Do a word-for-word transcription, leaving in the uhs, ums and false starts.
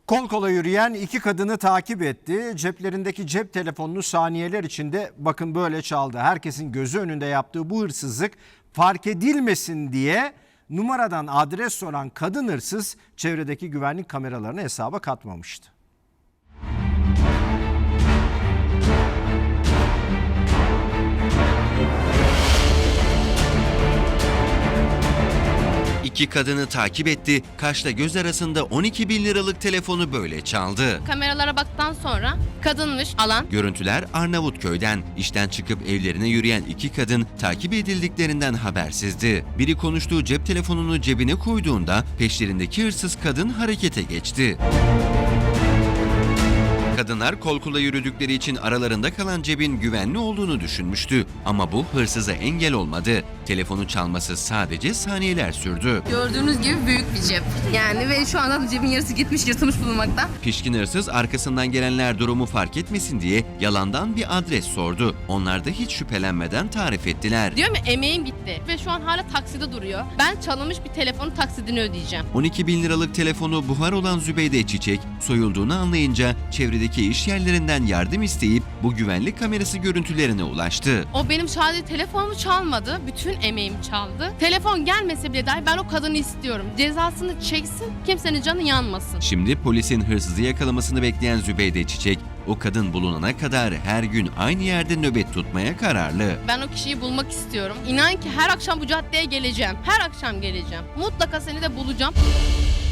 Kol kola yürüyen iki kadını takip etti. Ceplerindeki cep telefonunu saniyeler içinde bakın böyle çaldı. Herkesin gözü önünde yaptığı bu hırsızlık fark edilmesin diye numaradan adres soran kadın hırsız çevredeki güvenlik kameralarını hesaba katmamıştı. İki kadını takip etti, kaşla göz arasında on iki bin liralık telefonu böyle çaldı. Kameralara baktıktan sonra kadınmış alan. Görüntüler Arnavutköy'den. İşten çıkıp evlerine yürüyen iki kadın takip edildiklerinden habersizdi. Biri konuştuğu cep telefonunu cebine koyduğunda peşlerindeki hırsız kadın harekete geçti. Kadınlar kol kola yürüdükleri için aralarında kalan cebin güvenli olduğunu düşünmüştü. Ama bu hırsıza engel olmadı. Telefonu çalması sadece saniyeler sürdü. Gördüğünüz gibi büyük bir cep. Yani ve şu anda da cebin yarısı gitmiş, yırtılmış bulunmakta. Pişkin hırsız arkasından gelenler durumu fark etmesin diye yalandan bir adres sordu. Onlar da hiç şüphelenmeden tarif ettiler. Diyorum ya, emeğim gitti ve şu an hala takside duruyor. Ben çalınmış bir telefonun taksidini ödeyeceğim. on iki bin liralık telefonu buhar olan Zübeyde Çiçek soyulduğunu anlayınca çevredeki iş yerlerinden yardım isteyip bu güvenlik kamerası görüntülerine ulaştı. O benim sadece telefonumu çalmadı, bütün emeğimi çaldı. Telefon gelmese bile dahi ben o kadını istiyorum. Cezasını çeksin, kimsenin canı yanmasın. Şimdi polisin hırsızı yakalamasını bekleyen Zübeyde Çiçek, o kadın bulunana kadar her gün aynı yerde nöbet tutmaya kararlı. Ben o kişiyi bulmak istiyorum. İnan ki her akşam bu caddeye geleceğim. Her akşam geleceğim. Mutlaka seni de bulacağım.